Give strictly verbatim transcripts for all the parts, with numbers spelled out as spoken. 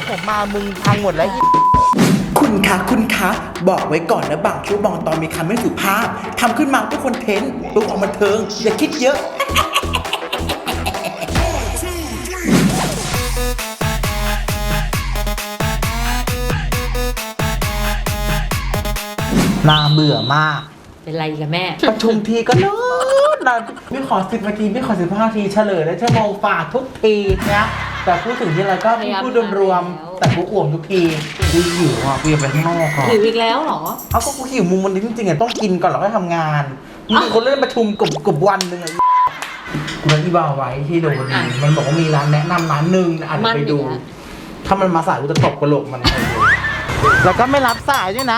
ผมมามึงพังหมดแล้วคุณคะคุณคะบอกไว้ก่อนนะบางช่วงบางตอนมีคำไม่สุภาพทำขึ้นมาเพื่อคอนเทนต์เพื่อความบันเทิงอย่าคิดเยอะน่าเบื่อมากเป็นไรกันแม่ประชุมทีก็นอนนอนไม่ขอสิบนาทีไม่ขอสิบห้านาทีเฉลยแล้วชั่วโมงฝ่าทุกทีนะแต่พูดถึงที่ไรก็พูดรวมๆแต่กูอ่วมทุกทีกูหิวอ่ะกูอยากไปข้างนอกก่อนหิวอีกแล้วเหรอเอาก็กูหิวมุมวันนี้จริงๆอ่ะต้องกินก่อนแล้วก็ทำงานมีคนเล่นประชุมกบกบวันหนึ่งอ่ะกูนัดอีบาไว้ที่โดนมันบอกว่ามีร้านแนะนำร้านหนึ่งอ่านไปดูถ้ามันมาสายกูจะตบกระโหลกมันแล้วก็ไม่รับสายด้วยนะ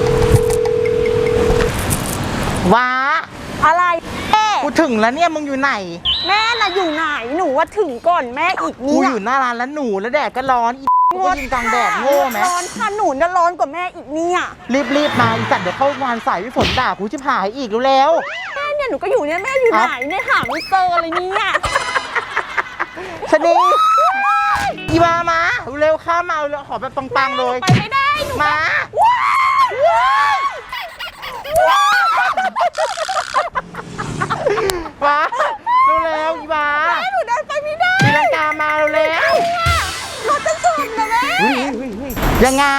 ว้าอะไรแม่กูถึงแล้วเนี่ยมึงอยู่ไหนแม่น่ะอยู่ไหนหนูว่าถึงก่อนแม่อีกนี่กูอยู่หน้าร้านแล้วหนูแล้วแดดก็ร้อนอีกูยิงกลางแดดโง่ไหมร้อนค่ะหนูน่ะร้อนกว่าแม่อีกเนี่ยรีบรีบมาอีสัตว์เดี๋ยวเข้างานสายพี่ฝนด่ากูชิบหายอีกแล้วแม่เนี่ยหนูก็อยู่เนี่ยแม่อยู่ไหนเนี่ยหาไม่เจอเลยเนี่ยชนีอีมามาเร็วข้ามมาเร็วขอแบบปังๆเลยไปไม่ได้หนูมาว้าเร็วๆอีบาแม่หนูเดินไปไม่ได้ตีลังกามาเร็วรถจะชนนะแม่ยังไง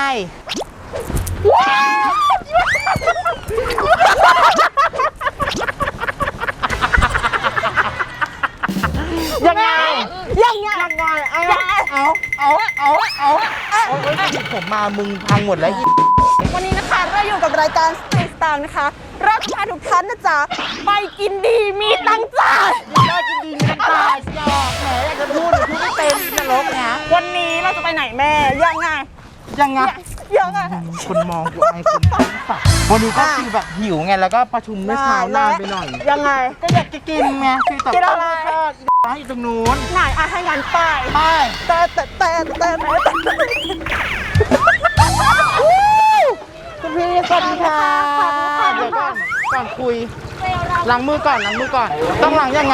ยังไงยังไงยังไงเอาเอาเอาเอาเอาเอาผมมามึงพังหมดแล้ววันนี้นะคะเราอยู่กับรายการสเตย์สตาร์นะคะเราจะพาทุกท่านนะจ๊ะไปกินดีมีตังจ่ายได้กินดีมีตังจ่ายยอกแหมอยากจะพูดหรือพูดไม่เป็นนรกนะวันนี้เราจะไปไหนแม่ยังไงยังไงยังไงคนมองกูไอ้คนฝักวันนี้ก็คือแบบหิวไงแล้วก็ประชุมเมื่อเช้านานไปหน่อยยังไงก็อยากจะกินไงคือแต่ก็ทอดอยู่ตรงนู้นไหนอ่ะให้งานไปไปแต่แต่แต่แต่คุณพี่สวัสดีค่ะเดี๋ยวก่อนก่อนคุยล้างมือก่อนล้างมือก่อนต้องล้างยังไง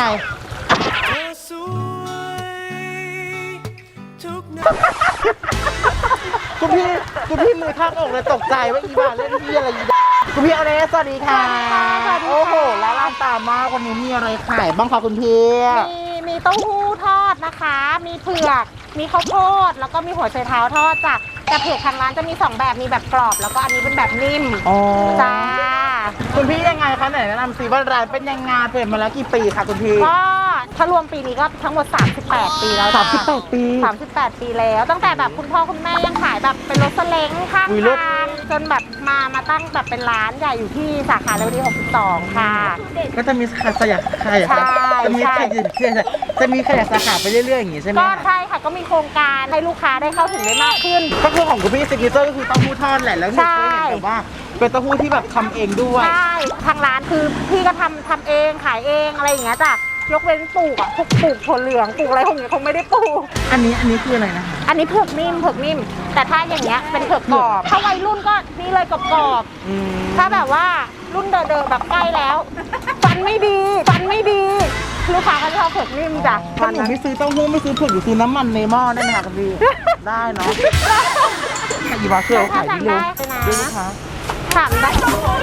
คุณพี่คุณพี่มือทับอกเลยตกใจว่าอีบ้าเล่นพี่อะไรอีบ้าคุณพี่อะไรสวัสดีค่ะโอ้โหแล้วร้านตามมาวันนี้มีอะไรขายบ้างคะคุณพี่มีมีเต้าหู้ทอดนะคะมีเผือกมีข้าวโพดแล้วก็มีหัวไชเท้าทอดจ้ะแต่เผือกทางร้านจะมีสองแบบมีแบบกรอบแล้วก็อันนี้เป็นแบบนิ่มจ้าคุณพี่ยังไงคะไหนแนะนำสิว่าร้านเป็นยังไงเปิดมาแล้วกี่ปีคะคุณพี่ก็ถ้ารวมปีนี้ก็ทั้งหมดสามสิบแปดปีแล้วสามสิบแปดปีสามสิบแปดปีแล้วตั้งแต่แบบคุณพ่อคุณแม่ยังขายแบบเป็นรถสเล้งข้างทางจนแบบมามาตั้งแบบเป็นร้านใหญ่อยู่ที่สาขาเรวดีหกสิบสองค่ะก็จะมีสาขาขยายขยายจะมีขยายจะมีขยายสาขาไปเรื่อยๆอย่างงี้ใช่ไหมก็ใช่ค่ะก็มีโครงการให้ลูกค้าได้เข้าถึงได้มากขึ้นก็คือของคุณพี่ซิกเนเจอร์ก็คือเต้าหู้ทอดแหละแล้วหนูเคยเห็นแบบว่าเป็นเต้าหู้ที่แบบทำเองด้วยใช่ทางร้านคือพี่ก็ทำทำเองขายเองอะไรอย่างเงี้ยจ้ะยกเว้นปลูกอ่ะพวกปลูกถั่วเหลืองปลูกอะไรพวกนี้คงไม่ได้ปลูกอันนี้อันนี้คืออะไรนะคะอันนี้เผือกนิ่มเผือกนิ่มแต่ถ้าอย่างเงี้ยเป็นเผือกกรอบถ้าวัยรุ่นก็นี่เลยกรอบกรอบถ้าแบบว่ารุ่นเดิมๆแบบใกล้แล้วฟันไม่ดีฟันไม่ดีลูกค้าก็ชอบเผือกนิ่มจ้ะถ้าหนูไม่ซื้อเต้าหู้ไม่ซื้อเผือกหรือซื้อน้ำมันในหม้อได้ไหมคะคุณพี่ได้เนาะอีบาเคือขายดีเลยดูนะคะถามได้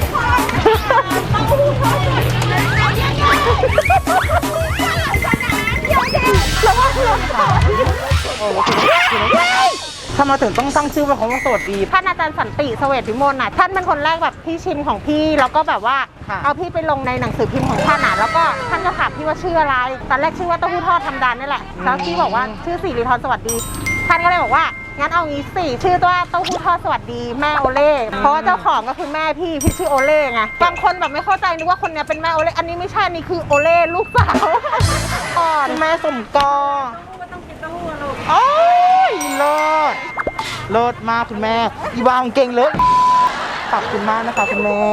ทำไมถึงต้องตั้งชื่อว่าเขาว่าสวัสดีท่านอาจารย์สันติเสวตวิมลน่ะท่านเป็นคนแรกแบบพี่ชิมของพี่แล้วก็แบบว่าเอาพี่ไปลงในหนังสือพิมพ์ของท่านอ่ะแล้วก็ท่านก็ถามพี่ว่าชื่ออะไรตอนแรกชื่อว่าเต้าหู้ทอดธรรมดานี่แหละแล้วพี่บอกว่าชื่อสิริธรสวัสดีท่านก็เลยบอกว่างั้นเอางี้สิชื่อตัวเต้าหู้ทอดสวัสดีแม่โอเล่เพราะว่าเจ้าของก็คือแม่พี่พี่ชื่อโอเล่ไงบางคนแบบไม่เข้าใจนึกว่าคนนี้เป็นแม่โอเล่อันนี้ไม่ใช่นี่คือโอเล่ลูกสาวอ่อนแม่สมกอโอ้ยเลิศเลิศมากคุณแม่อีบางเก่งเลยขอบคุณมากนะคะคุณแม่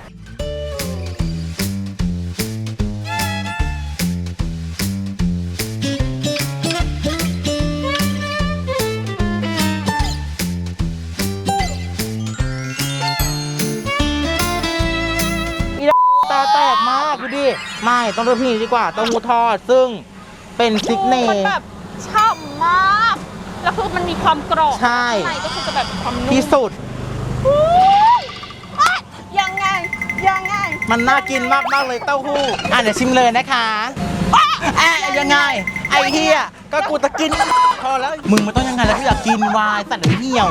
ตาแตกมากดูดิไม่ต้องเลือกพี่ดีกว่าเต้าหู้ทอดซึ่งเป็นซิกเนเจอร์แบบฉ่ำมากแล้วคือมันมีความกรอบใช่ข้างในก็คือจะแบบความนุ่มที่สุดอุ๊ยอ๊ะยังไงยังไงมันน่ากินมากมากๆเลยเต้าหู้อ่ะเดี๋ยวชิมเลยนะคะอ่ะยังไง ไอ้เฮียก็กูจะกินพอแล้ว มึงมันต้องยังไงแล้วกูอยากกินวายสัตว์หรือเหี่ยว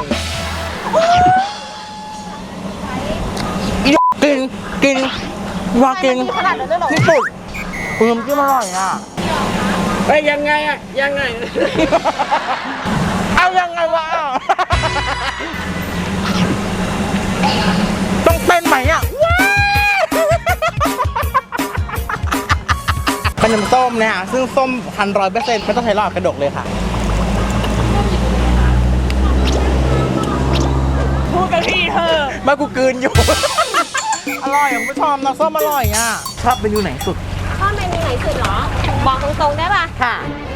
อีกินกินวากินขนาดนั้นเลยเหรอที่สุดอืมที่อร่อยอ่ะเฮ้ยยังไงอะยังไงเอายังไงวะต้องเต้นไหมอ่ะว้าวเป็นน้ำส้มนะฮะซึ่งส้มพันร้อยเปอร์เซ็นต์ไม่ต้องใช้หลอดกระดกเลยค่ะพูดกับพี่เธอมากูกลืนอยู่ อร่อยอ่ะคุณผู้ชมน้ำส้มอร่อยอ่ะชอบเมนูไหนสุดชอบเมนูไหนสุดเหรอ บอกตรงๆได้ป่ะค่ะ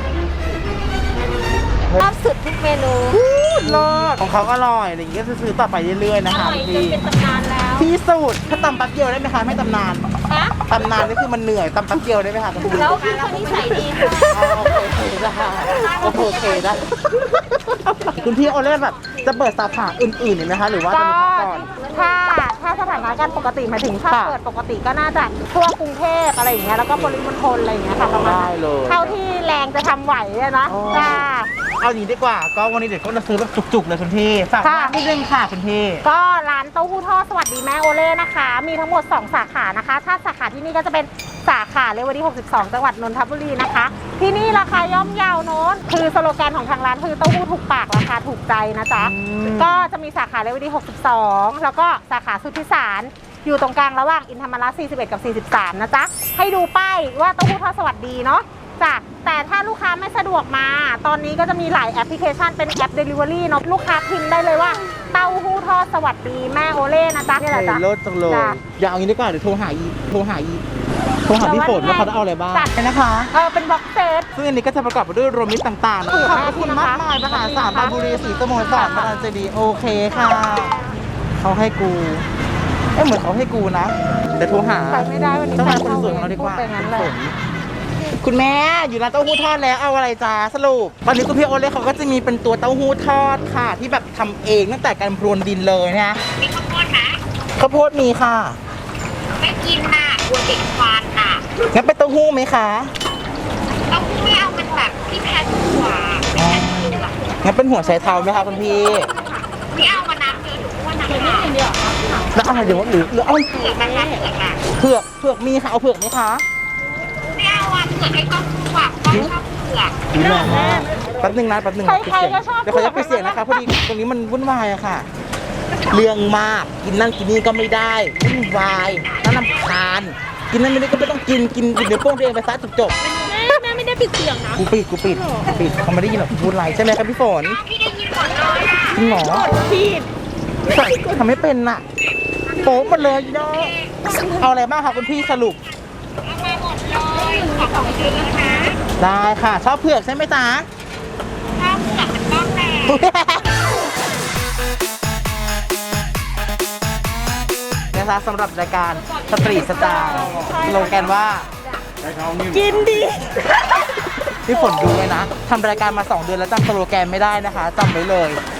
ชอบสุดทุกเมนูเลิศของเขาอร่อยอะไรอย่างเงี้ยซื้อๆต่อไปเรื่อยๆอนะคะร่อยจพี่นเป็นตำนานแล้วที่สุดถ้าตำแป๊บเดียวได้ไหมคะไม่ตำนานฮะตำนานนี่คือมันเหนื่อยตำแป๊บเดียวได้ไหมคะคุณพี่แล้วพี่คนนิสัยดีค่ะอ๋อโอเคได้โอเคได้คุณพี่โอเล่แบบจะเปิดสาขาอื่นๆอีกไหมคะหรือว่าจะก็มีพักก่อนถ้าถ้าสถานการณ์ปกติหมายถึงถ้าค่ะเปิดปกติก็น่าจะทั่วกรุงเทพอะไรอย่างเงี้ยแล้วก็ปริมณฑลอะไรอย่างเงี้ยค่ะประมาณได้นั้นเลยเท่าที่แรงจะทำไหวอะนะอ๋อจ้าเอาอย่างนี้ดีกว่าก็วันนี้เดี๋ยวก็จะซื้อแบบจุกๆเลยคุณพี่ฝากค่ะร้านนิดนึงค่ะคุณพี่ก็ร้านเต้าหู้ทอดสวัสดีแม่โอเล่นะคะ มีทั้งหมด สอง สาขานะคะ ถ้าสาขาที่นี่ก็จะเป็นสาขาเลวดี หกสิบสอง จังหวัดนนทบุรีนะคะ ที่นี่ราคาย่อมเยาวโน้นคือสโลแกนของทางร้านคือเต้าหู้ถูกปากราคาถูกใจนะจ๊ะอืมก็จะมีสาขาเลวดี หกสิบสอง แล้วก็สาขาสุทธิสาร อยู่ตรงกลางระหว่างอินธรรมระสี่สิบเอ็ด กับ สี่สิบสาม นะจ๊ะ ให้ดูป้ายว่าเต้าหู้ทอดสวัสดีเนาะจ้ะแต่ถ้าลูกค้าไม่สะดวกมา ตอนนี้ก็จะมีหลายแอปพลิเคชันเป็นแอป Delivery เนาะลูกค้าพิมพ์ได้เลยว่าเต้าหู้ทอดสวัสดีแม่โอเล่นะจ๊ะนี่แหละจ้ะเลิศจังเลยจ้ะอย่าเอางี้ดีกว่าเดี๋ยวโทรหาอีโทรหาอีโทรหาพี่ฝนว่าเขาจะเอาอะไรบ้างจัดนะคะเออเป็นบ็อกเซตซึ่งอันนี้ก็จะประกอบไปด้วยรวมมิตรต่างๆถูกขอบมากคุณนะคะมากมายมหาศาลขอบคุณค่ะบางบุรีศรีสโมสรบางเจดีย์โอเคค่ะเขาให้กูเอ้เหมือนเขาให้กูนะเดี๋ยวโทรหาไปไม่ได้วันนี้เจ้านายไปคนเข้าสวยของเราดีกว่าพูดไปงั้นเลยฝนคุณแม่อยู่ร้านเต้าหู้ทอดแล้วเอาอะไรจ้าสรุปตอนนี้คุณพี่โอเล่เขาก็จะมีเป็นตัวเต้าหู้ทอดค่ะ ที่แบบทำเองตั้งแต่การพรวนดินเลยนะมีข้าวโพดนะข้าวโพดมีค่ะไม่กินน่ะกลัวติดควันน่ะงั้นเป็นเต้าหู้ไหมคะเต้าหู้ไม่เอาเป็นแบบที่แพ้ถั่วเป็นแพ้ถั่วงั้นเป็นหัวไชเท้าไหมคะคุณพี่ไม่เอามาน้ำเยอะหรืออ้วนนะคะแล้วอะไรเดี๋ยวว่าหรือหรือเอาเผือกนะคะเผือกอ่ะเผือกเผือกมีค่ะเอาเผือกไหมคะไม่เอาอ่ะเผือกให้กล้องดูอ่ะกล้องชอบเผือกดีมากแป๊บนึงนะแป๊บนึงใครๆก็ชอบเดี๋ยวเขาจะไปดเสียงนะคะพอดีตรงนี้มันวุ่นวายอะค่ะ เรื่องมากกินนั่นกินนี่ก็ไม่ได้วุ่นวายน่ารำคาญกินนั่นไม่ได้ก็ไม่ต้องกินกินกินเดี๋ยวโป้งตัวเองไปซะจบจบแม่แม่ไม่ได้ปิดเสียงนะกูปิดกูปิดกูปิดเขาไม่ได้ยินหรอกพูดอะไรใช่ไหมครับพี่ฝนพี่ได้ยินหมดเลยอ่ะจริงเหรอผิดใส่ทำไม่เป็นน่ะโป๊ะหมดเลยเนาะเอาอะไรบ้างคะคุณพี่สรุปเอามาหมดเลยขอของซื้อนะได้ค่ะ ชอบเผือกใช่ไหมจ๊ะถ้าเผือกมันต้องแรงนะคะสำหรับรายการสตรีทสตาร์สโลแกนว่ากินดีพี่ฝนดูเลยนะทำรายการมาสองเดือนแล้วจำสโลแกนไม่ได้นะคะจำไว้เลย